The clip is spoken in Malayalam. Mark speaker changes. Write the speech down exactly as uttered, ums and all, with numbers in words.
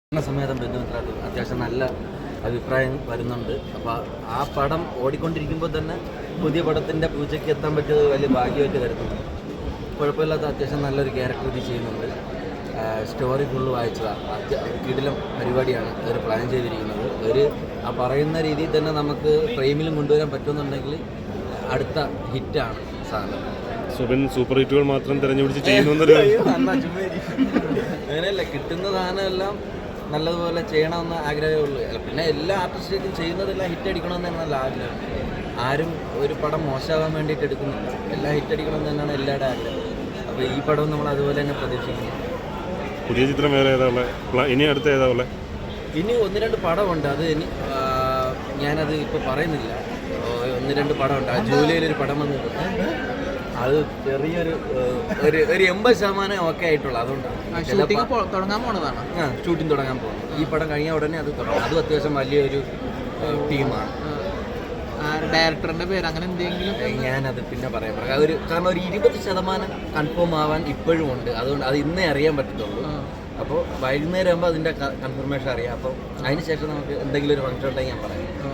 Speaker 1: സമേതം ബന്ധുമിത്രാട്ട് അത്യാവശ്യം നല്ല അഭിപ്രായം വരുന്നുണ്ട്. അപ്പോൾ ആ പടം ഓടിക്കൊണ്ടിരിക്കുമ്പോൾ തന്നെ പുതിയ പടത്തിൻ്റെ പൂജയ്ക്ക് എത്താൻ പറ്റിയത് വലിയ ഭാഗ്യമായിട്ട് കരുതുന്നു. കുഴപ്പമില്ലാത്ത അത്യാവശ്യം നല്ലൊരു ക്യാരക്ടർ ഇത് ചെയ്യുന്നുണ്ട്. സ്റ്റോറി ഫുള്ള് വായിച്ചതാണ്. അത്യ കിടിലം പരിപാടിയാണ് അവർ പ്ലാൻ ചെയ്തിരിക്കുന്നത്. ഒരു ആ പറയുന്ന രീതിയിൽ തന്നെ നമുക്ക് ഫ്രെയിമിലും കൊണ്ടുവരാൻ പറ്റുമെന്നുണ്ടെങ്കിൽ അടുത്ത ഹിറ്റാണ് സാധനം.
Speaker 2: സുബിൻ സൂപ്പർ ഹിറ്റുകൾ മാത്രം തിരഞ്ഞുപിടിച്ച് ചെയ്യുന്നൊരു
Speaker 1: അങ്ങനെയല്ല, കിട്ടുന്ന സാധനമെല്ലാം നല്ലതുപോലെ ചെയ്യണമെന്ന് ആഗ്രഹമേ ഉള്ളൂ. പിന്നെ എല്ലാ ആർട്ടിസ്റ്റും ചെയ്യുന്നതെല്ലാം ഹിറ്റ് അടിക്കണമെന്ന് തന്നെയാണ് നല്ല ആഗ്രഹം. ആരും ഒരു പടം മോശമാകാൻ വേണ്ടിയിട്ട് എടുക്കുന്നില്ല, എല്ലാം ഹിറ്റ് അടിക്കണമെന്ന് തന്നെയാണ് എല്ലാവരുടെ ആഗ്രഹം. അപ്പോൾ ഈ പടവും നമ്മൾ അതുപോലെ തന്നെ പ്രതീക്ഷിക്കുന്നു.
Speaker 2: പുതിയ ചിത്രം വേറെ ഏതാ ഉള്ളത്? ഇനി അടുത്ത ഏതാ ഉള്ളത്?
Speaker 1: ഇനി ഒന്ന് രണ്ട് പടമുണ്ട്. അത് ഇനി ഞാനത് ഇപ്പോൾ പറയുന്നില്ല. ഒന്ന് രണ്ട് പടമുണ്ട്. ആ ജൂലൈയിലൊരു പടം വന്നിട്ടുണ്ട്. അത് ചെറിയൊരു ഒരു ഒരു എൺപത് ശതമാനം ഓക്കെ ആയിട്ടുള്ളൂ. അതുകൊണ്ടാണ്
Speaker 3: തുടങ്ങാൻ പോണതാണ്.
Speaker 1: ആ ഷൂട്ടിംഗ് തുടങ്ങാൻ പോകുന്നത്. ഈ പടം കഴിഞ്ഞ ഉടനെ അത് തുടങ്ങും. അതും അത്യാവശ്യം വലിയൊരു ടീമാണ്.
Speaker 3: ഡയറക്ടറിന്റെ പേര് അങ്ങനെ എന്തെങ്കിലും
Speaker 1: ഞാനത് പിന്നെ പറയാൻ പറയാം. ഒരു കാരണം ഒരു ഇരുപത് ശതമാനം കൺഫേം ആവാൻ ഇപ്പോഴും ഉണ്ട്. അതുകൊണ്ട് അത് ഇന്നേ അറിയാൻ പറ്റത്തുള്ളൂ. അപ്പോൾ വൈകുന്നേരം ആകുമ്പോൾ അതിൻ്റെ കൺഫർമേഷൻ അറിയാം. അപ്പോൾ അതിന് ശേഷം നമുക്ക് എന്തെങ്കിലും ഒരു ഫംഗ്ഷൻ ഉണ്ടെങ്കിൽ ഞാൻ പറയാം.